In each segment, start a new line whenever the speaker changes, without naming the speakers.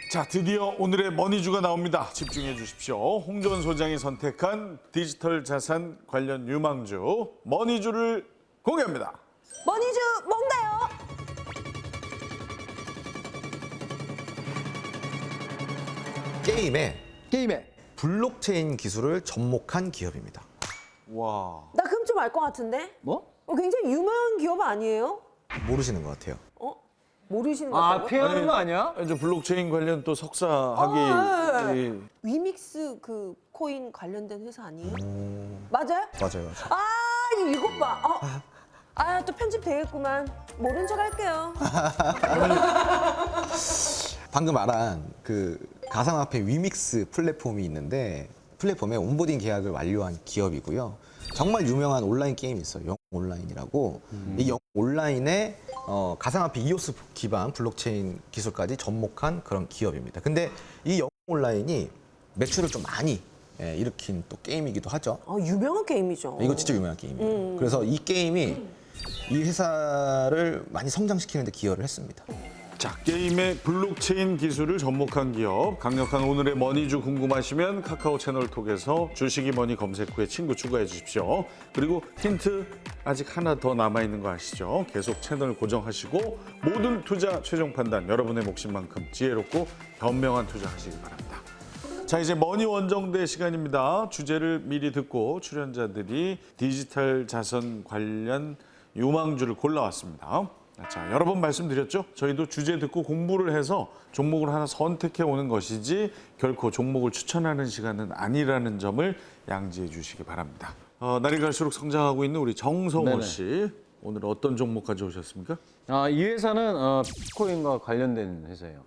자, 드디어 오늘의 머니주가 나옵니다. 집중해 주십시오. 홍정원 소장이 선택한 디지털 자산 관련 유망주 머니주를 공개합니다.
머니주 뭔가요?
게임에 블록체인 기술을 접목한 기업입니다.
와,
나 그럼 좀 알 것 같은데?
뭐?
굉장히 유명한 기업 아니에요?
모르시는 것 같아요.
모르시는 것
아,
같아요?
피하는 거 아니야?
이제 블록체인 관련 또 석사 학위 이
위믹스 그 코인 관련된 회사 아니에요? 맞아요?
맞아요.
이것 봐. 또 편집 되겠구만. 모른 척 할게요.
방금 말한 그 가상화폐 위믹스 플랫폼이 있는데 플랫폼에 온보딩 계약을 완료한 기업이고요. 정말 유명한 온라인 게임이 있어요. 영 온라인이라고. 이 영 온라인에 가상화폐 이오스 기반 블록체인 기술까지 접목한 그런 기업입니다. 근데 이 영 온라인이 매출을 좀 많이 일으킨 또 게임이기도 하죠.
유명한 게임이죠.
이거 진짜 유명한 게임이에요. 그래서 이 게임이 이 회사를 많이 성장시키는 데 기여를 했습니다.
자, 게임의 블록체인 기술을 접목한 기업. 강력한 오늘의 머니주 궁금하시면 카카오 채널 통해서 주식이 머니 검색 후에 친구 추가해 주십시오. 그리고 힌트 아직 하나 더 남아있는 거 아시죠? 계속 채널 고정하시고 모든 투자 최종 판단 여러분의 몫인만큼 지혜롭고 현명한 투자하시기 바랍니다. 자, 이제 머니 원정대 시간입니다. 주제를 미리 듣고 출연자들이 디지털 자선 관련 유망주를 골라왔습니다. 자, 여러 번 말씀드렸죠? 저희도 주제 듣고 공부를 해서 종목을 하나 선택해 오는 것이지 결코 종목을 추천하는 시간은 아니라는 점을 양지해 주시기 바랍니다. 날이 갈수록 성장하고 있는 우리 정성호
네네.
씨, 오늘 어떤 종목 가져오셨습니까?
이 회사는 비트코인과 관련된 회사예요.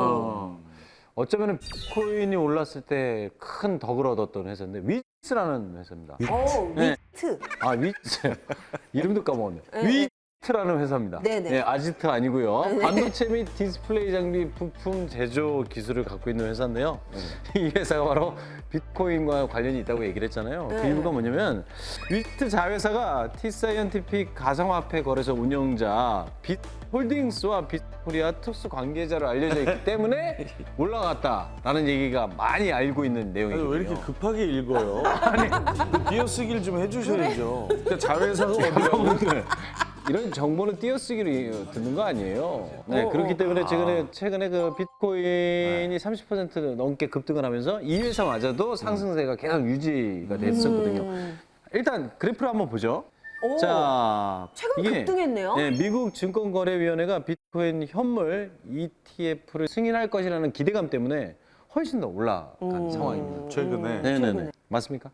어쩌면 비트코인이 올랐을 때 큰 덕을 얻었던 회사인데 위츠라는 회사입니다. 네.
위트.
위츠. 이름도 까먹었네.
네.
위트라는 회사입니다.
네네.
네, 아지트 아니고요. 반도체 및 디스플레이 장비 부품 제조 기술을 갖고 있는 회사인데요. 이 회사가 바로 비트코인과 관련이 있다고 얘기를 했잖아요. 그 이유가 뭐냐면 위트 자회사가 T사이언티픽 가상화폐 거래소 운영자 빗홀딩스와 빗코리아 특수 관계자로 알려져 있기 때문에 올라갔다라는 얘기가 많이 알고 있는
아니,
내용이거든요.
왜 이렇게 급하게 읽어요? 그 띄어쓰기를 좀 해주셔야죠. 그러니까 자회사가 어디라고?
이런 정보는 띄어쓰기로 듣는 거 아니에요. 네, 그렇기 때문에 최근에 그 비트코인이 30% 넘게 급등을 하면서 이 회사마저도 상승세가 계속 유지가 됐었거든요. 일단 그래프를 한번 보죠. 자,
최근 급등했네요.
네, 미국 증권거래위원회가 비트코인 현물 ETF를 승인할 것이라는 기대감 때문에 훨씬 더 올라간 상황입니다.
최근에.
네네네. 맞습니까?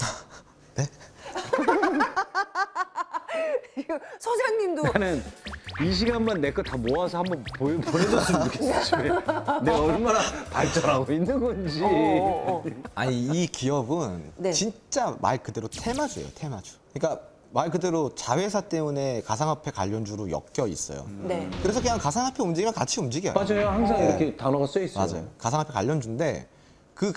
소장님도
나는 이 시간만 내 거 다 모아서 한번 보내줬으면 좋겠어, 집에. 내가 얼마나 발전하고 있는 건지.
아니 이 기업은
네.
진짜 말 그대로 테마주예요, 테마주. 그러니까 말 그대로 자회사 때문에 가상화폐 관련주로 엮여 있어요.
네.
그래서 그냥 가상화폐 움직이면 같이 움직여요.
맞아요. 항상
네.
이렇게 단어가 써 있어요.
맞아요. 가상화폐 관련주인데 그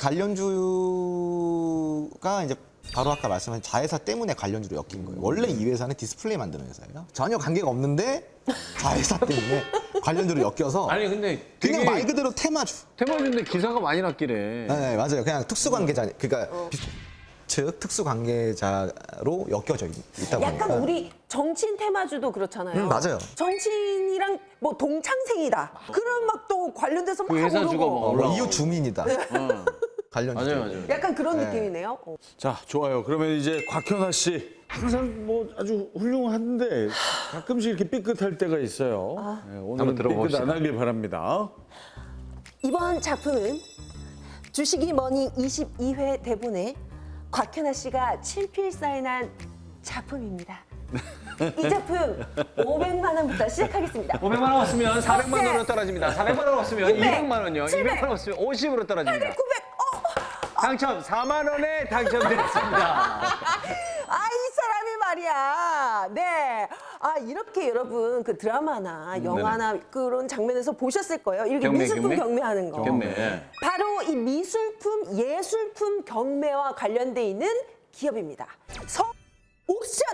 관련주가 이제 바로 아까 말씀하신 자회사 때문에 관련주로 엮인 거예요. 원래 이 회사는 디스플레이 만드는 회사예요. 전혀 관계가 없는데 자회사 때문에 관련주로 엮여서
아니 근데
그냥
되게
말 그대로 테마주.
테마주인데 기사가 많이 났길래.
네, 맞아요. 그냥 특수관계자, 그러니까 즉 특수관계자로 엮여져 있다 보니까.
약간 우리 정치인 테마주도 그렇잖아요.
맞아요.
정치인이랑 뭐 동창생이다. 그럼 막 또 관련돼서 막
그 회사주가
오르고.
막 올라가고.
이웃 주민이다. 관련주.
맞아요, 맞아요.
약간 그런 느낌이네요.
자, 좋아요. 그러면 이제 곽현아 씨. 항상 뭐 아주 훌륭한데 가끔씩 이렇게 삐끗할 때가 있어요. 네, 오늘은
한번
삐끗
들어봅시다.
안 하길 바랍니다.
이번 작품은 주식이 머니 22회 대본에 곽현아 씨가 친필 사인한 작품입니다. 이 작품 500만 원부터 시작하겠습니다.
500만 원 없으면 400만 원으로 떨어집니다. 400만 원 없으면
600,
200만 원요.
700,
200만 원 없으면 50으로 떨어집니다.
900,
당첨 4만 원에 당첨됐습니다.
이 사람이 말이야. 네. 이렇게 여러분 그 드라마나 영화나 그런 장면에서 보셨을 거예요. 이렇게
경매,
미술품
경매?
경매하는 거.
경매.
바로 이 미술품, 예술품 경매와 관련돼 있는 기업입니다. 옥션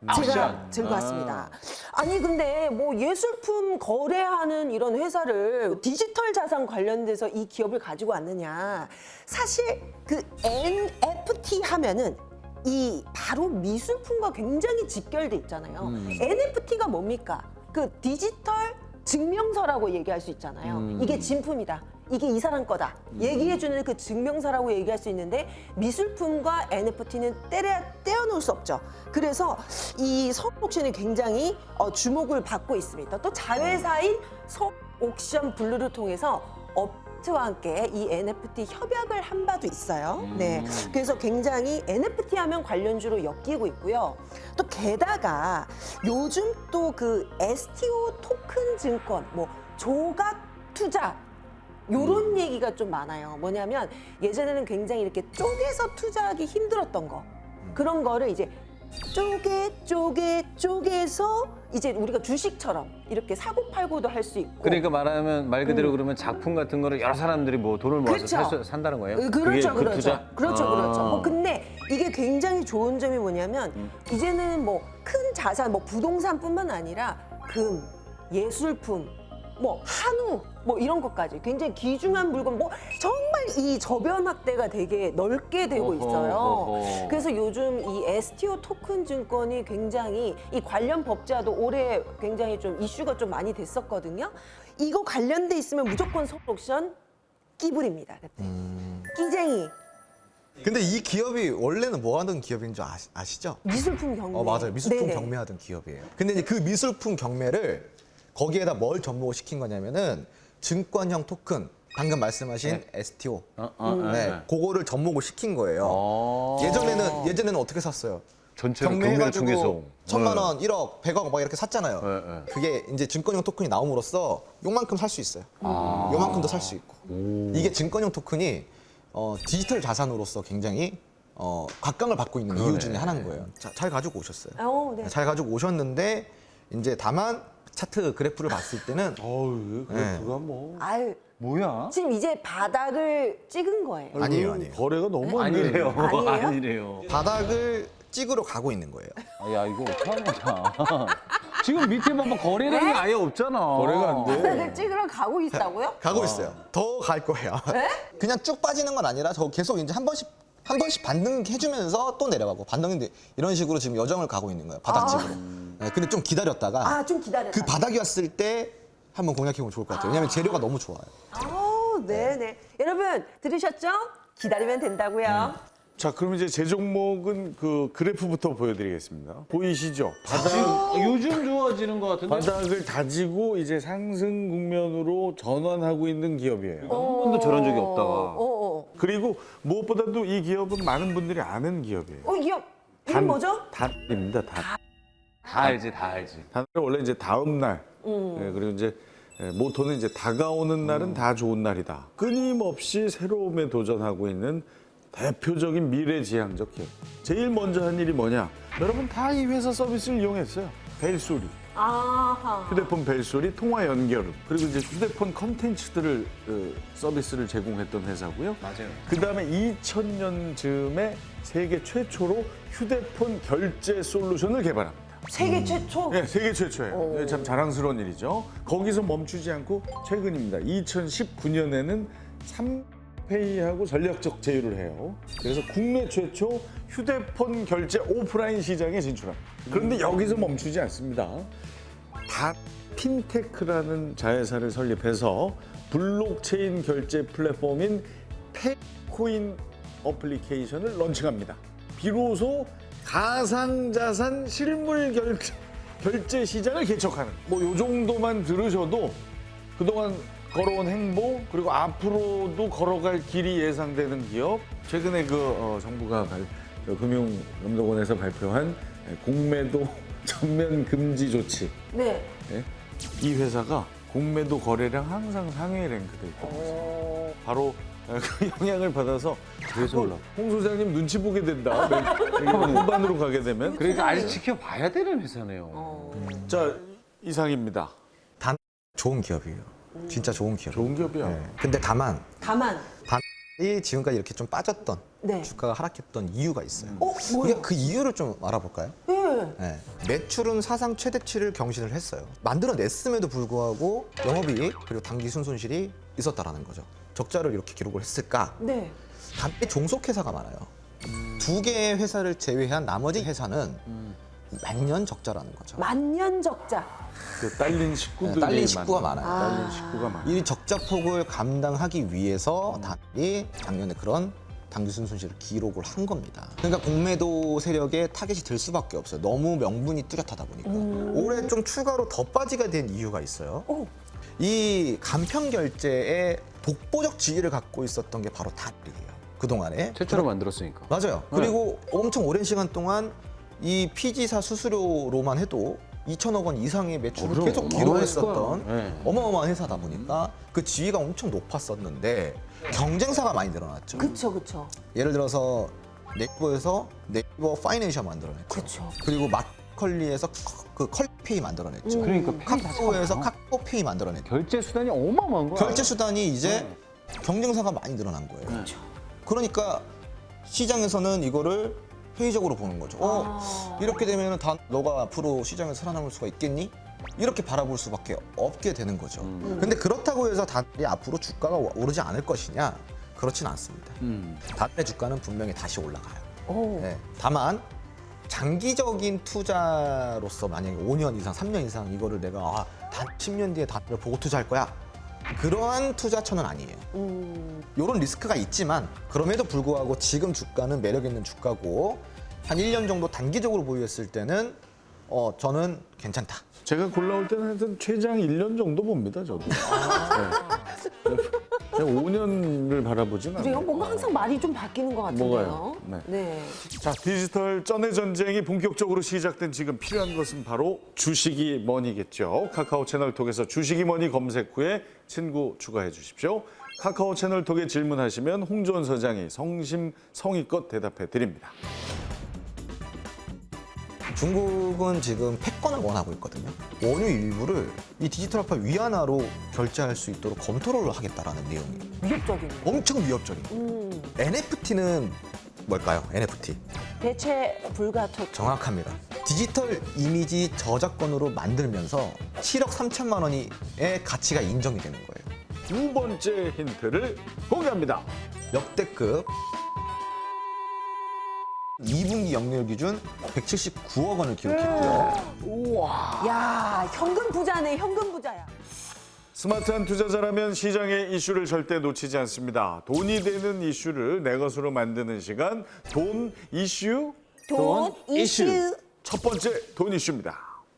제가 들고 왔습니다. 아니 근데 뭐 예술품 거래하는 이런 회사를 디지털 자산 관련돼서 이 기업을 가지고 왔느냐. 사실 그 NFT 하면은 이 바로 미술품과 굉장히 직결돼 있잖아요. NFT가 뭡니까? 그 디지털 증명서라고 얘기할 수 있잖아요. 이게 진품이다. 이게 이 사람 거다. 얘기해주는 그 증명서라고 얘기할 수 있는데 미술품과 NFT는 떼어놓을 수 없죠. 그래서 이 서옥션이 굉장히 주목을 받고 있습니다. 또 자회사인 서옥션 블루를 통해서 업체와 함께 이 NFT 협약을 한 바도 있어요. 네, 그래서 굉장히 NFT 하면 관련주로 엮이고 있고요. 또 게다가 요즘 또 그 STO 토큰 증권, 뭐 조각 투자 요런 얘기가 좀 많아요. 뭐냐면 예전에는 굉장히 이렇게 쪼개서 투자하기 힘들었던 거 그런 거를 이제 쪼개서 이제 우리가 주식처럼 이렇게 사고 팔고도 할 수 있고.
그러니까 말하면 말 그대로 그러면 작품 같은 거를 여러 사람들이 뭐 돈을 모아서
그렇죠.
산다는 거예요?
그렇죠,
그게 그
그렇죠.
투자?
그렇죠,
아.
그렇죠. 뭐 근데 이게 굉장히 좋은 점이 뭐냐면 이제는 뭐 큰 자산, 뭐 부동산뿐만 아니라 금, 예술품, 뭐 한우, 뭐 이런 것까지 굉장히 귀중한 물건, 뭐 정말 이 저변 확대가 되게 넓게 되고 있어요.
어허.
그래서 요즘 이 STO 토큰 증권이 굉장히 이 관련 법제화도 올해 굉장히 좀 이슈가 좀 많이 됐었거든요. 이거 관련돼 있으면 무조건 서옥션 끼불입니다. 그때. 끼쟁이.
근데 이 기업이 원래는 뭐 하던 기업인 줄 아시죠?
미술품 경매.
맞아요. 미술품
네네.
경매하던 기업이에요. 근데 이제 그 미술품 경매를 거기에다 뭘 접목을 시킨 거냐면은 증권형 토큰, 방금 말씀하신 STO. 네, 그거를 접목을 시킨 거예요. 예전에는 어떻게 샀어요?
전체로 경매를 통해서.
1,000만 원, 1억, 100억 막 이렇게 샀잖아요.
네.
그게 이제 증권형 토큰이 나옴으로써 요만큼 살 수 있어요. 요만큼도 살 수 있고. 이게 증권형 토큰이 디지털 자산으로서 굉장히 각광을 받고 있는 이유 중에 하나인 거예요. 잘 가지고 오셨어요.
네.
잘 가지고 오셨는데 이제 다만 차트 그래프를 봤을 때는
어우, 그래프가 뭐.
아유,
뭐야?
지금 이제 바닥을 찍은 거예요.
아니에요.
거래가 너무 안
아니래요.
되네요.
아니에요?
아니래요.
바닥을 찍으러 가고 있는 거예요.
야, 이거 어떡하는 거야. 지금 밑에 봐봐, 거래량이 아예 없잖아.
거래가 안 돼.
바닥을 찍으러 가고 있다고요?
가고 있어요. 더 갈 거예요. 그냥 쭉 빠지는 건 아니라 저 계속 이제 한 번씩 반등해주면서 또 내려가고 반등인데 이런 식으로 지금 여정을 가고 있는 거예요. 바닥집으로. 네, 근데 좀 기다렸다가
아, 좀 기다렸다.
그 바닥이 왔을 때 한번 공략해보면 좋을 것 같아요. 왜냐하면 재료가 너무 좋아요.
네네. 여러분, 들으셨죠? 기다리면 된다고요.
자, 그럼 이제 제 종목은 그 그래프부터 보여드리겠습니다. 보이시죠? 바닥,
요즘 좋아지는 것 같은데?
바닥을 다지고 이제 상승 국면으로 전환하고 있는 기업이에요.
한 번도 저런 적이 없다가.
그리고 무엇보다도 이 기업은 많은 분들이 아는 기업이에요.
이 기업, 이름 뭐죠?
단입니다, 단.
다 알지, 다 알지.
단은 원래 이제 다음 날, 예, 그리고 이제 모토는 이제 다가오는 날은 다 좋은 날이다. 끊임없이 새로움에 도전하고 있는 대표적인 미래지향적 기업. 제일 먼저 한 일이 뭐냐? 여러분 다 이 회사 서비스를 이용했어요. 벨소리,
아하.
휴대폰 벨소리, 통화 연결음, 그리고 이제 휴대폰 컨텐츠들을 서비스를 제공했던 회사고요.
맞아요.
그 다음에 2000년쯤에 세계 최초로 휴대폰 결제 솔루션을 개발합니다.
세계 최초?
네, 세계 최초예요. 네, 참 자랑스러운 일이죠. 거기서 멈추지 않고 최근입니다. 2019년에는 삼페이하고 전략적 제휴를 해요. 그래서 국내 최초 휴대폰 결제 오프라인 시장에 진출합니다. 그런데 여기서 멈추지 않습니다. 다 핀테크라는 자회사를 설립해서 블록체인 결제 플랫폼인 페코인 어플리케이션을 런칭합니다. 비로소 가상자산 실물 결제 시장을 개척하는 뭐 요 정도만 들으셔도 그동안 걸어온 행보 그리고 앞으로도 걸어갈 길이 예상되는 기업. 최근에 그 정부가 금융감독원에서 발표한 공매도 전면 금지 조치.
네.
예? 이 회사가 공매도 거래량 항상 상위에 랭크돼 있거든요. 바로 그 영향을 받아서
그래서 올라.
홍 소장님 눈치 보게 된다. 후반으로 가게 되면.
그러니까 아직 지켜봐야 되는 회사네요.
자, 이상입니다.
단 좋은 기업이에요. 진짜 좋은 기업.
좋은 기업이야.
네. 근데 다만
이
지금까지 이렇게 좀 빠졌던
네.
주가가 하락했던 이유가 있어요.
뭐요?
우리가 그 이유를 좀 알아볼까요?
예. 네.
네. 매출은 사상 최대치를 경신을 했어요. 만들어냈음에도 불구하고 영업이익 그리고 당기 순손실이 있었다라는 거죠. 적자를 이렇게 기록을 했을까?
네.
단계 종속회사가 많아요. 두 개의 회사를 제외한 나머지 회사는 만년 적자라는 거죠.
만년 적자.
그 딸린 식구들이
딸린 식구가 많아요.
딸린 식구가 많아요.
이 적자폭을 감당하기 위해서 단이 작년에 그런 당기순 손실을 기록을 한 겁니다. 그러니까 공매도 세력에 타겟이 될 수밖에 없어요. 너무 명분이 뚜렷하다 보니까. 올해 좀 추가로 더 빠지게 된 이유가 있어요.
오.
이 간편 결제에 독보적 지위를 갖고 있었던 게 바로 단이에요. 그동안에.
최초로 만들었으니까.
맞아요. 그리고 엄청 오랜 시간 동안 이 피지사 수수료로만 해도 2천억 원 이상의 매출을
그럼
계속 기록했었던
어마어마했을 거야. 네.
어마어마한 회사다 보니까 그 지위가 엄청 높았었는데 경쟁사가 많이 늘어났죠.
그쵸, 그쵸.
예를 들어서 네이버에서 네이버 파이낸셜 만들어냈죠.
그쵸.
그리고 마컬리에서 그 컬페이 만들어냈죠.
그러니까 페이 다시
카카오에서
가요.
카카오페이 만들어냈죠.
결제 수단이 어마어마한 거야.
결제 수단이 이제 경쟁사가 많이 늘어난 거예요.
그렇죠.
그러니까 시장에서는 이거를 회의적으로 보는 거죠. 이렇게 되면 다 너가 앞으로 시장에서 살아남을 수가 있겠니? 이렇게 바라볼 수밖에 없게 되는 거죠. 근데 그렇다고 해서 단이 앞으로 주가가 오르지 않을 것이냐? 그렇진 않습니다. 단의 주가는 분명히 다시 올라가요.
오.
네. 다만 장기적인 투자로서 만약에 5년 이상, 3년 이상 이거를 내가 단 10년 뒤에 단을 보고 투자할 거야. 그러한 투자처는 아니에요. 이런 리스크가 있지만 그럼에도 불구하고 지금 주가는 매력 있는 주가고 한 1년 정도 단기적으로 보유했을 때는 저는 괜찮다.
제가 골라올 때는 하여튼 최장 1년 정도 봅니다, 저도. 네. 제가 5년을 바라보진 않아요.
그래요? 뭔가 항상 말이 좀 바뀌는 것 같은데요.
뭐가요? 네.
네.
자, 디지털 전의 전쟁이 본격적으로 시작된 지금 필요한 것은 바로 주식이 머니겠죠. 카카오 채널톡에서 주식이 머니 검색 후에 친구 추가해 주십시오. 카카오 채널톡에 질문하시면 홍조원 서장이 성심성의껏 대답해 드립니다.
중국은 지금 패권을 원하고 있거든요. 원유 일부를 이 디지털 화폐 위안화로 결제할 수 있도록 검토를 하겠다라는 내용이에요.
위협적이네요.
엄청 위협적인. NFT는 뭘까요? NFT.
대체 불가토.
정확합니다. 디지털 이미지 저작권으로 만들면서 7억 3천만 원의 가치가 인정이 되는 거예요.
두 번째 힌트를 공개합니다.
역대급 2분기 영리율 기준 179억 원을 기록했고요.
야, 현금 부자네, 현금 부자야.
스마트한 투자자라면 시장의 이슈를 절대 놓치지 않습니다. 돈이 되는 이슈를 내 것으로 만드는 시간, 돈 이슈.
돈 이슈.
첫 번째 돈 이슈입니다.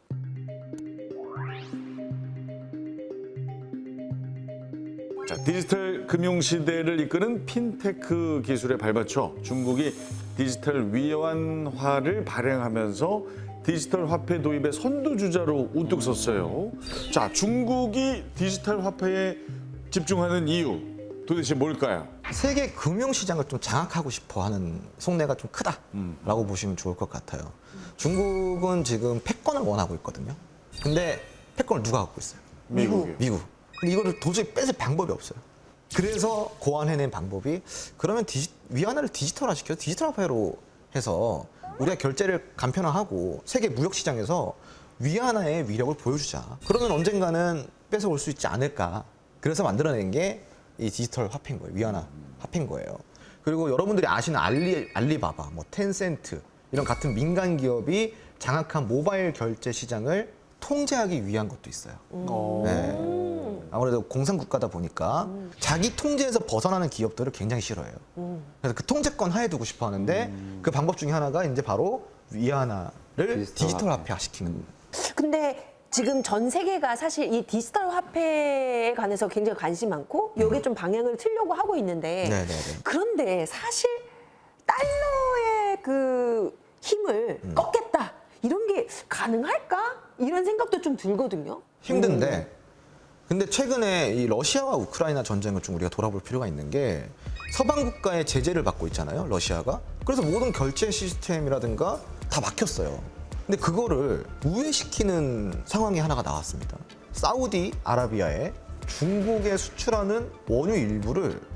자, 디지털 금융 시대를 이끄는 핀테크 기술에 발맞춰 중국이 디지털 위안화를 발행하면서 디지털 화폐 도입의 선두주자로 우뚝 섰어요. 자, 중국이 디지털 화폐에 집중하는 이유 도대체 뭘까요?
세계 금융시장을 좀 장악하고 싶어 하는 속내가 좀 크다라고 보시면 좋을 것 같아요. 중국은 지금 패권을 원하고 있거든요. 근데 패권을 누가 갖고 있어요?
미국이요.
미국. 근데 이거를 도저히 뺏을 방법이 없어요. 그래서 고안해낸 방법이 그러면 위안화를 디지털화 시켜서 디지털 화폐로 해서 우리가 결제를 간편화하고 세계 무역 시장에서 위안화의 위력을 보여주자. 그러면 언젠가는 뺏어올 수 있지 않을까. 그래서 만들어낸 게 이 디지털 화폐인 거예요. 위안화 화폐인 거예요. 그리고 여러분들이 아시는 알리바바, 뭐 텐센트 이런 같은 민간 기업이 장악한 모바일 결제 시장을 통제하기 위한 것도 있어요. 네. 아무래도 공산국가다 보니까 자기 통제에서 벗어나는 기업들을 굉장히 싫어해요. 그래서 그 통제권 하에 두고 싶어 하는데 그 방법 중에 하나가 이제 바로 위안화를 디지털 화폐화 시키는.
근데 지금 전 세계가 사실 이 디지털 화폐에 관해서 굉장히 관심 많고 여기에 좀 방향을 틀려고 하고 있는데
네네네.
그런데 사실 달러의 그 힘을 꺾겠다 이런 게 가능할까? 이런 생각도 좀 들거든요.
힘든데 근데 최근에 이 러시아와 우크라이나 전쟁을 좀 우리가 돌아볼 필요가 있는 게 서방 국가의 제재를 받고 있잖아요, 러시아가. 그래서 모든 결제 시스템이라든가 다 막혔어요. 근데 그거를 우회시키는 상황이 하나가 나왔습니다. 사우디 아라비아에 중국에 수출하는 원유 일부를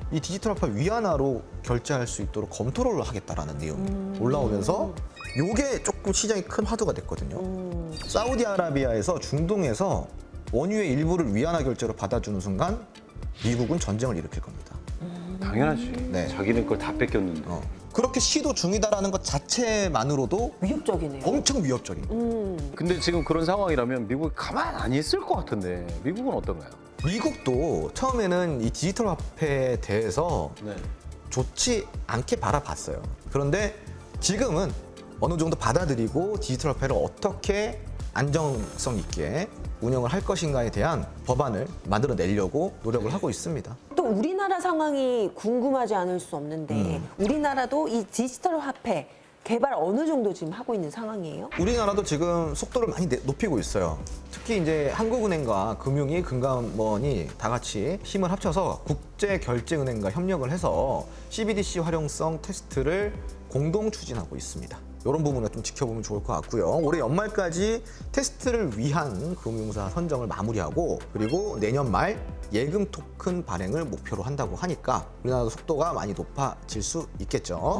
이 디지털 화폐 위안화로 결제할 수 있도록 검토를 하겠다라는 내용이 올라오면서 요게 조금 시장이 큰 화두가 됐거든요. 사우디아라비아에서 중동에서 원유의 일부를 위안화 결제로 받아주는 순간 미국은 전쟁을 일으킬 겁니다.
당연하지.
네.
자기네 걸 다 뺏겼는데.
그렇게 시도 중이다라는 것 자체만으로도
위협적이네요.
엄청 위협적인.
근데 지금 그런 상황이라면 미국이 가만 안 있을 것 같은데 미국은 어떤가요?
미국도 처음에는 이 디지털 화폐에 대해서
네.
좋지 않게 바라봤어요. 그런데 지금은 어느 정도 받아들이고 디지털 화폐를 어떻게 안정성 있게 운영을 할 것인가에 대한 법안을 만들어내려고 노력을 하고 있습니다.
또 우리나라 상황이 궁금하지 않을 수 없는데 우리나라도 이 디지털 화폐 개발 어느 정도 지금 하고 있는 상황이에요?
우리나라도 지금 속도를 많이 높이고 있어요. 특히 이제 한국은행과 금융위, 금감원이 다 같이 힘을 합쳐서 국제결제은행과 협력을 해서 CBDC 활용성 테스트를 공동 추진하고 있습니다. 이런 부분을 좀 지켜보면 좋을 것 같고요. 올해 연말까지 테스트를 위한 금융사 선정을 마무리하고 그리고 내년 말 예금 토큰 발행을 목표로 한다고 하니까 우리나라도 속도가 많이 높아질 수 있겠죠.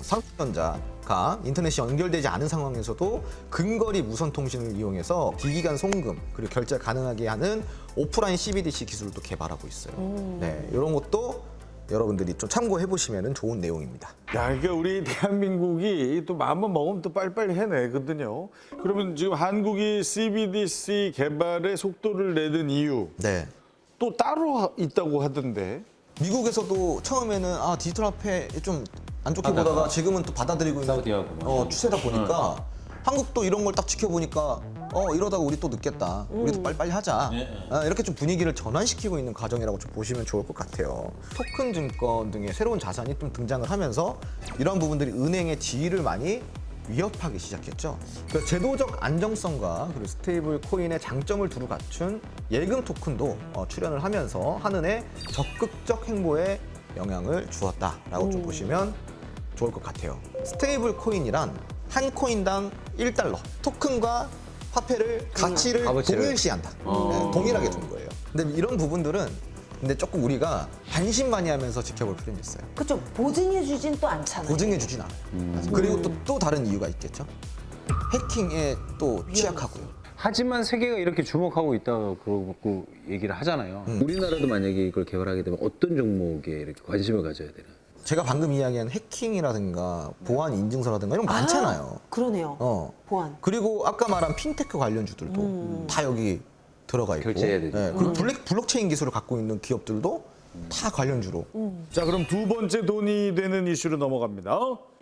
삼성전자가 인터넷이 연결되지 않은 상황에서도 근거리 무선 통신을 이용해서 기기간 송금 그리고 결제 가능하게 하는 오프라인 CBDC 기술을 또 개발하고 있어요. 네, 이런 것도 여러분들이 좀 참고해 보시면 좋은 내용입니다.
야, 그러니까 우리 대한민국이 또 마음만 먹으면 또 빨리빨리 해내거든요. 그러면 지금 한국이 CBDC 개발에 속도를 내는 이유
네.
또 따로 있다고 하던데.
미국에서도 처음에는 디지털 화폐 좀 안 좋게 보다가 지금은 또 받아들이고 있는
사우디하고
추세다 보니까 한국도 이런 걸 딱 지켜보니까 이러다가 우리 또 늦겠다. 우리도 빨리빨리 하자. 이렇게 좀 분위기를 전환시키고 있는 과정이라고 좀 보시면 좋을 것 같아요. 토큰 증권 등의 새로운 자산이 좀 등장을 하면서 이런 부분들이 은행의 지위를 많이 위협하기 시작했죠. 그래서 제도적 안정성과 그리고 스테이블 코인의 장점을 두루 갖춘 예금 토큰도 출연을 하면서 한은의 적극적 행보에 영향을 주었다라고 좀 보시면 좋을 것 같아요. 스테이블 코인이란 한 코인당 1달러, 토큰과 화폐를 가치를
값어치를.
동일시한다. 네, 동일하게 둔 거예요. 근데 이런 부분들은 근데 조금 우리가 반신반의하면서 지켜볼 필요는 있어요.
그렇죠. 보증해 주진 또 않잖아요.
보증해 주진 않아요. 그리고 또 다른 이유가 있겠죠. 해킹에 또 취약하고요.
하지만 세계가 이렇게 주목하고 있다고 그러고 얘기를 하잖아요. 우리나라도 만약에 이걸 개발하게 되면 어떤 종목에 이렇게 관심을 가져야 되나?
제가 방금 이야기한 해킹이라든가 보안 인증서라든가 이런 거 많잖아요.
그러네요. 보안.
그리고 아까 말한 핀테크 관련주들도 다 여기 들어가 있고.
결제해야 되죠.
네, 그리고 블록체인 기술을 갖고 있는 기업들도 다 관련주로.
자, 그럼 두 번째 돈이 되는 이슈로 넘어갑니다.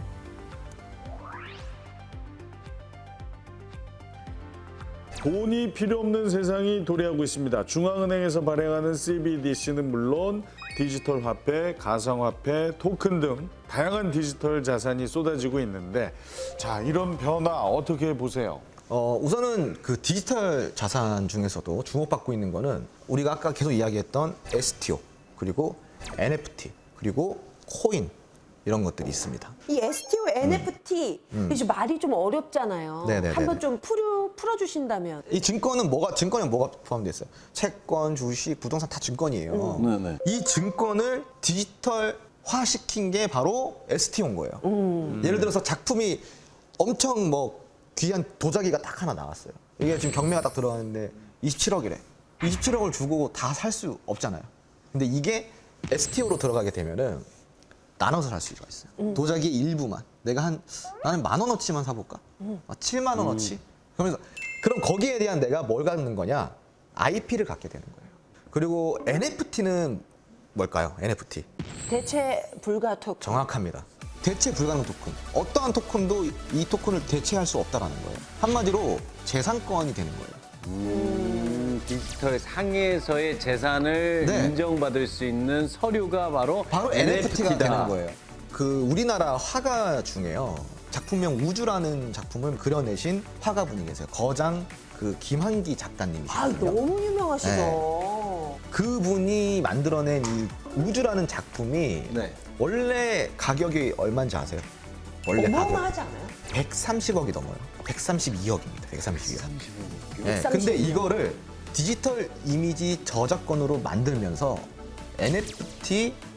돈이 필요 없는 세상이 도래하고 있습니다. 중앙은행에서 발행하는 CBDC는 물론 디지털 화폐, 가상화폐, 토큰 등 다양한 디지털 자산이 쏟아지고 있는데, 자, 이런 변화 어떻게 보세요?
우선은 그 디지털 자산 중에서도 주목받고 있는 거는 우리가 아까 계속 이야기했던 STO, 그리고 NFT, 그리고 코인 이런 것들이 있습니다.
이 STO, NFT 이제 말이 좀 어렵잖아요.
네네네네.
한번 좀 풀어주신다면.
이 증권에 뭐가 포함되어 있어요? 채권, 주식, 부동산 다 증권이에요.
네네.
이 증권을 디지털화 시킨 게 바로 STO인 거예요. 예를 들어서 작품이 엄청 귀한 도자기가 딱 하나 나왔어요. 이게 지금 경매가 딱 들어갔는데 27억이래. 27억을 주고 다 살 수 없잖아요. 근데 이게 STO로 들어가게 되면은 나눠서 살 수가 있어요. 도자기 일부만. 나는 10,000원어치만 사볼까? 7만 원어치? 그러면서 그럼 거기에 대한 내가 뭘 갖는 거냐? IP를 갖게 되는 거예요. 그리고 NFT는 뭘까요? NFT.
대체 불가 토큰.
정확합니다. 대체 불가능 토큰. 어떠한 토큰도 이 토큰을 대체할 수 없다라는 거예요. 한마디로 재산권이 되는 거예요.
디지털 상에서의 재산을
네.
인정받을 수 있는 서류가 바로
NFT가
NFT다.
되는 거예요. 그 우리나라 화가 중에요. 작품명 우주라는 작품을 그려내신 화가분이 계세요. 거장 그 김한기 작가님이시거든요.
너무 유명하시죠.
네. 그분이 만들어낸 이 우주라는 작품이
네.
원래 가격이 얼마인지 아세요? 원래 가격
어마어마하지 않아요?
130억이 넘어요. 132억입니다. 132억. 네,
132억.
근데 이거를 디지털 이미지 저작권으로 만들면서 NFT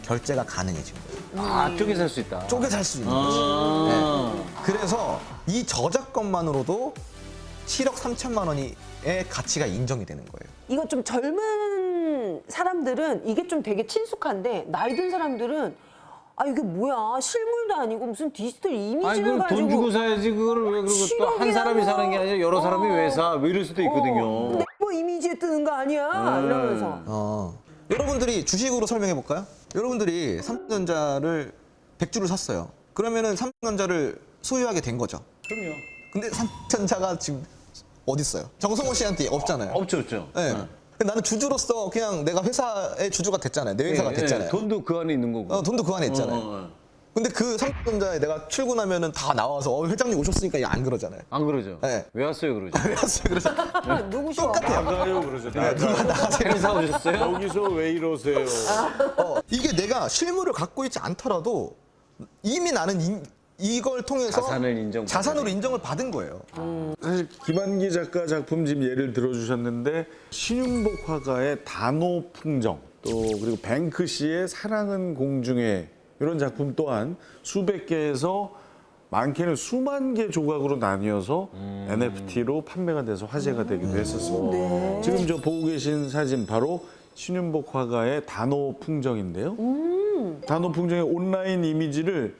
결제가 가능해진 거예요.
아, 쪼개 살 수 있다.
쪼개 살 수 있는 거지. 네. 그래서 이 저작권만으로도 7억 3천만 원의 가치가 인정이 되는 거예요.
이거 좀 젊은 사람들은 이게 좀 되게 친숙한데 나이 든 사람들은 아 이게 뭐야 실물도 아니고 무슨 디지털
아니,
이미지를
그걸
가지고
돈 주고 사야지. 그거를 왜 그러고 또 한 사람이 사는 게 아니라 여러 사람이 왜 사? 왜 이럴 수도 있거든요.
근데 뭐 이미지에 뜨는 거 아니야 이러면서
여러분들이 주식으로 설명해 볼까요? 여러분들이 삼성전자를 100주를 샀어요. 그러면은 삼성전자를 소유하게 된 거죠.
그럼요.
근데 삼성전자가 지금 어디 있어요? 정성호 씨한테 없잖아요.
없죠, 없죠.
네. 근데 나는 주주로서 그냥 내가 회사의 주주가 됐잖아요. 내 회사가 됐잖아요.
돈도 그 안에 있는 거고.
돈도 그 안에 있잖아요. 근데 그 삼성전자에 내가 출근하면은 다 나와서 회장님 오셨으니까 안 그러잖아요.
안 그러죠?
네.
왜 왔어요, 그러죠?
왜 왔어요? 그래서
누구셔?
나가요 그러죠.
행사 오셨어요?
여기서 왜 이러세요?
이게 내가 실물을 갖고 있지 않더라도 이미 나는 이걸 통해서 자산으로 인정을 받은 거예요.
사실 김한기 작가 작품 지금 예를 들어주셨는데 신윤복 화가의 단오풍정 또 그리고 뱅크 씨의 사랑은 공중에 이런 작품 또한 수백 개에서 많게는 수만 개 조각으로 나뉘어서 NFT로 판매가 돼서 화제가 되기도 했었어요. 지금 저 보고 계신 사진 바로 신윤복 화가의 단오풍정인데요. 단오풍정의 온라인 이미지를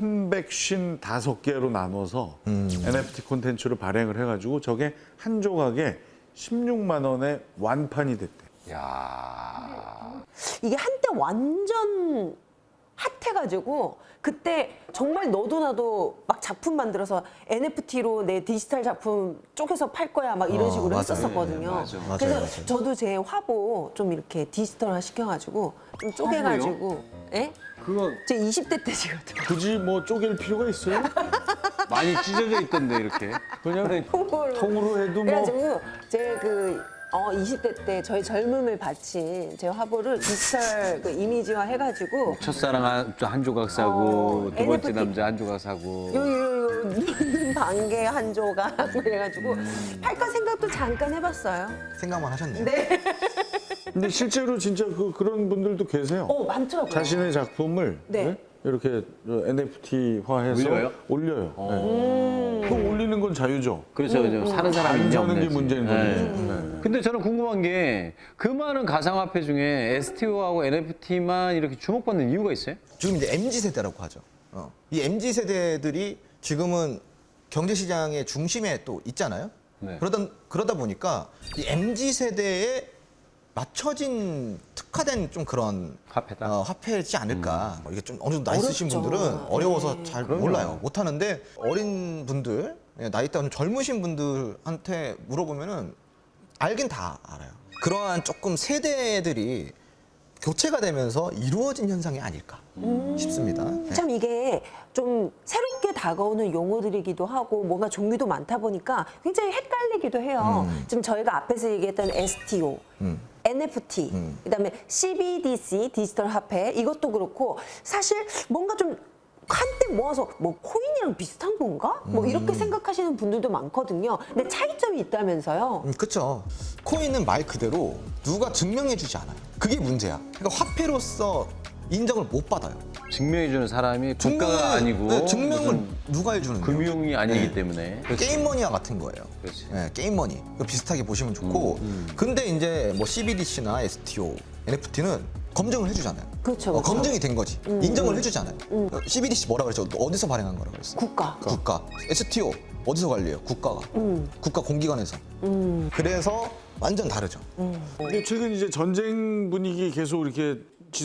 355개로 나눠서 NFT 콘텐츠로 발행을 해가지고 저게 한 조각에 16만 원에 완판이 됐대.
야.
이게 한때 완전 핫해가지고 그때 정말 너도 나도 막 작품 만들어서 NFT로 내 디지털 작품 쪼개서 팔 거야 막 이런 식으로
맞아요.
했었었거든요.
맞아.
그래서
맞아요.
저도 제 화보 좀 이렇게 디지털화 시켜가지고 좀 쪼개가지고 예?
그거
제 20대 때 찍었던
굳이 뭐 쪼갤 필요가 있어요?
많이 찢어져 있던데, 이렇게.
그냥
통으로
통으로 해도 뭐
그래가지고 제 그 20대 때 저희 젊음을 바친 제 화보를 디지털 그 이미지화 해가지고
첫사랑 한 조각 사고, 두 번째
NFT.
남자 한 조각 사고.
요 눈 반개 한 조각 그래가지고 팔까 생각도 잠깐 해봤어요.
생각만 하셨네요.
근데 실제로 진짜 그런 분들도 계세요.
많더라고요.
자신의 작품을
네.
네? 이렇게 NFT화해서
올려요?
그 올리는 건 자유죠.
그렇죠, 그렇죠. 사는 사람이
안
있냐
사는 게
없냐지.
문제인
네.
거죠. 네.
근데 저는 궁금한 게 그 많은 가상화폐 중에 STO하고 NFT만 이렇게 주목받는 이유가 있어요?
지금 이제 MZ 세대라고 하죠. 이 MZ 세대들이 지금은 경제 시장의 중심에 또 있잖아요.
네.
그러다 보니까 이 MZ 세대에 맞춰진 특화된 좀 그런
화폐다.
화폐지 않을까. 이게 좀 어느 정도 나이 있으신
어렵죠.
분들은 어려워서 잘 몰라요. 못 하는데 어린 분들, 나이 따는 젊으신 분들한테 물어보면은 알긴 다 알아요. 그러한 조금 세대들이 교체가 되면서 이루어진 현상이 아닐까 싶습니다. 네.
참 이게 좀 새롭게 다가오는 용어들이기도 하고 뭔가 종류도 많다 보니까 굉장히 헷갈리기도 해요. 지금 저희가 앞에서 얘기했던 STO, NFT, 그다음에 CBDC, 디지털 화폐 이것도 그렇고 사실 뭔가 좀 한때 모아서 뭐 코인이랑 비슷한 건가? 뭐 이렇게 생각하시는 분들도 많거든요. 근데 차이점이 있다면서요.
그렇죠. 코인은 말 그대로 누가 증명해주지 않아요. 그게 문제야. 그러니까 화폐로서 인정을 못 받아요.
증명해주는 사람이 국가가
증명을-
아니고
네, 증명을
무슨
누가 해주는데요?
금융이 아니기 때문에.
게임머니와 같은 거예요.
그렇지.
네, 게임머니. 이거 비슷하게 보시면 좋고. 근데 이제 뭐 CBDC나 STO, NFT는 검증을 해주잖아요.
그렇죠, 그렇죠.
검증이 된 거지. 인정을 해주잖아요. CBDC 뭐라 그랬죠? 어디서 발행한 거라고 그랬어?
국가.
국가. STO 어디서 관리해요? 국가가. 국가 공기관에서. 그래서 완전 다르죠.
근데 최근 이제 전쟁 분위기 계속 이렇게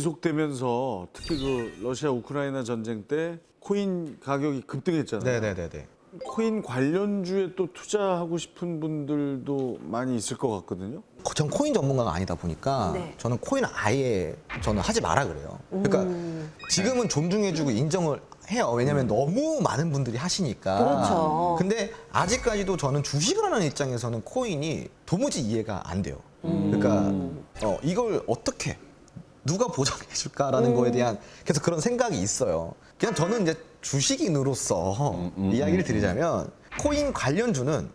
지속되면서 특히 그 러시아 우크라이나 전쟁 때 코인 가격이 급등했잖아요.
네네네네.
코인 관련주에 또 투자하고 싶은 분들도 많이 있을 것 같거든요.
전 코인 전문가가 아니다 보니까
네.
저는 코인 아예 저는 하지 마라 그래요. 그러니까 지금은 존중해주고 인정을 해요. 왜냐하면 너무 많은 분들이 하시니까.
그렇죠.
근데 아직까지도 저는 주식을 하는 입장에서는 코인이 도무지 이해가 안 돼요. 그러니까 이걸 어떻게 누가 보장해줄까라는 거에 대한 계속 그런 생각이 있어요. 그냥 저는 이제 주식인으로서 이야기를 드리자면 코인 관련주는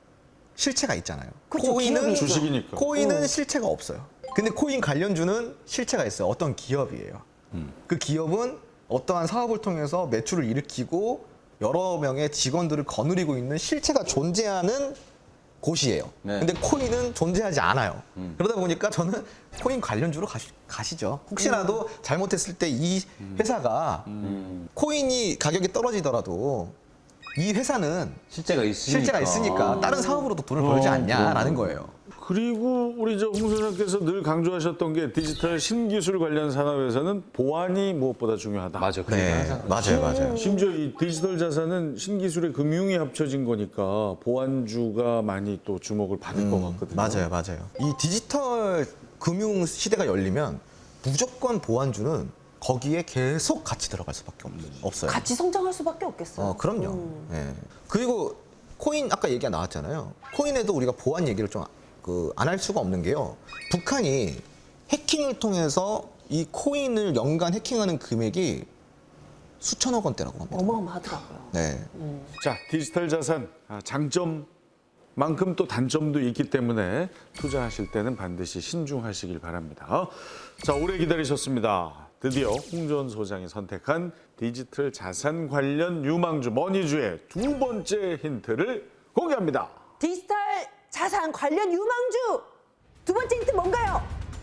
실체가 있잖아요.
그렇죠, 기업이죠.
주식이니까.
코인은 실체가 없어요. 근데 코인 관련주는 실체가 있어요. 어떤 기업이에요. 그 기업은 어떠한 사업을 통해서 매출을 일으키고 여러 명의 직원들을 거느리고 있는 실체가 존재하는 곳이에요.
네.
근데 코인은 존재하지 않아요. 그러다 보니까 저는 코인 관련주로 가시죠. 혹시라도 잘못했을 때 이 회사가 코인이 가격이 떨어지더라도 이 회사는
실제가
실제가 있으니까 다른 사업으로도 돈을 벌지 않냐라는 거예요.
그리고 우리 저 홍 소장께서 늘 강조하셨던 게 디지털 신기술 관련 산업에서는 보안이 무엇보다 중요하다.
맞아. 그
네,
얘기 항상
맞아요.
심지어 이 디지털 자산은 신기술의 금융이 합쳐진 거니까 보안주가 많이 또 주목을 받을 것 같거든요.
맞아요. 이 디지털 금융 시대가 열리면 무조건 보안주는 거기에 계속 같이 들어갈 수밖에 없어요.
같이 성장할 수밖에 없겠어요.
그럼요. 예. 그리고 코인 아까 얘기가 나왔잖아요. 코인에도 우리가 보안 얘기를 좀 안 할 수가 없는 게요. 북한이 해킹을 통해서 이 코인을 연간 해킹하는 금액이 수천억 원대라고 합니다.
어마어마하더라고요.
네.
자, 디지털 자산 장점만큼 또 단점도 있기 때문에 투자하실 때는 반드시 신중하시길 바랍니다. 자, 오래 기다리셨습니다. 드디어 홍전 소장이 선택한 디지털 자산 관련 유망주 머니주의 두 번째 힌트를 공개합니다.
디지털 자산 관련 유망주 두 번째 힌트 뭔가요?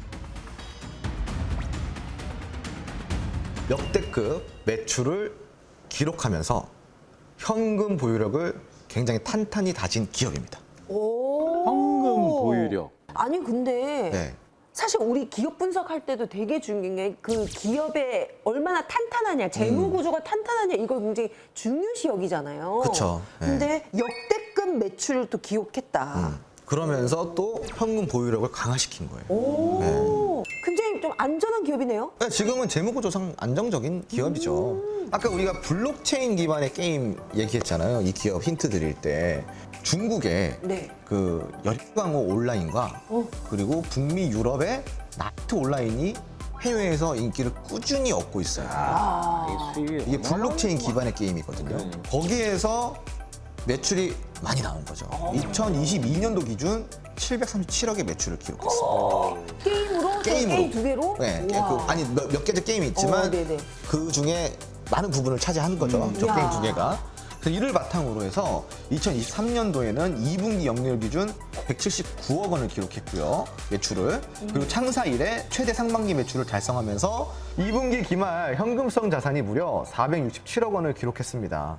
역대급 매출을 기록하면서 현금 보유력을 굉장히 탄탄히 다진 기업입니다.
오.
현금 보유력.
아니 근데
네.
사실 우리 기업 분석할 때도 되게 중요한 게 그 기업의 얼마나 탄탄하냐, 재무 구조가 탄탄하냐 이걸 굉장히 중요시 여기잖아요.
그쵸. 네.
근데 역대급 매출을 또 기록했다.
그러면서 또 현금 보유력을 강화시킨 거예요.
오. 굉장히 좀 안전한 기업이네요.
네, 지금은 재무구조상 안정적인 기업이죠. 아까 우리가 블록체인 기반의 게임 얘기했잖아요. 이 기업 힌트 드릴 때 중국의
네.
그 열강호 온라인과 그리고 북미 유럽의 나이트 온라인이 해외에서 인기를 꾸준히 얻고 있어요.
이게 수익이
이게 블록체인 기반의 게임이거든요. 거기에서 매출이 많이 나온 거죠. 2022년도 기준 737억의 매출을 기록했습니다.
게임으로? 게임 두 개로?
네,
우와.
아니 몇 개의 게임이 있지만
네네.
그 중에 많은 부분을 차지한 거죠. 저
야.
게임 두 개가. 그래서 이를 바탕으로 해서 2023년도에는 2분기 영리율 기준 179억 원을 기록했고요. 매출을. 그리고 창사 이래 최대 상반기 매출을 달성하면서 2분기 기말 현금성 자산이 무려 467억 원을 기록했습니다.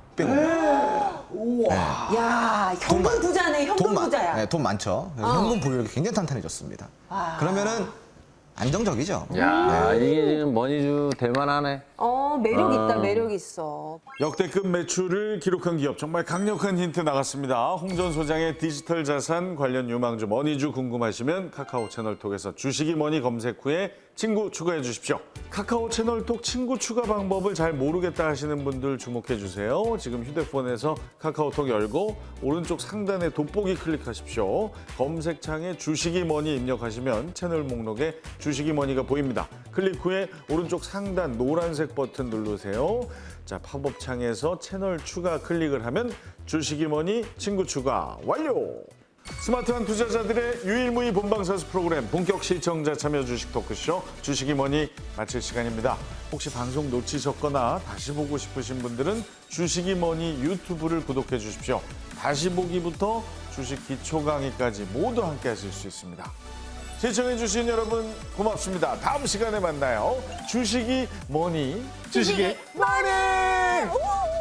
야, 현금 부자네, 현금 부자야.
네, 돈 많죠. 그래서 현금 보유력이 굉장히 탄탄해졌습니다. 그러면은 안정적이죠.
야, 이게 지금 머니주 대만하네.
매력 있다, 매력 있어.
역대급 매출을 기록한 기업 정말 강력한 힌트 나갔습니다. 홍전 소장의 디지털 자산 관련 유망주 머니주 궁금하시면 카카오 채널톡에서 주식이 머니 검색 후에 친구 추가해 주십시오. 카카오 채널톡 친구 추가 방법을 잘 모르겠다 하시는 분들 주목해 주세요. 지금 휴대폰에서 카카오톡 열고 오른쪽 상단에 돋보기 클릭하십시오. 검색창에 주식이 머니 입력하시면 채널 목록에 주식이 머니가 보입니다. 클릭 후에 오른쪽 상단 노란색 버튼 누르세요. 자, 팝업 창에서 채널 추가 클릭을 하면 주식이 머니 친구 추가 완료! 스마트한 투자자들의 유일무이 본방사수 프로그램 본격 시청자 참여 주식 토크쇼 주식이 머니 마칠 시간입니다. 혹시 방송 놓치셨거나 다시 보고 싶으신 분들은 주식이 머니 유튜브를 구독해 주십시오. 다시 보기부터 주식 기초 강의까지 모두 함께 하실 수 있습니다. 시청해 주신 여러분 고맙습니다. 다음 시간에 만나요. 주식이 머니
주식이 머니! 우!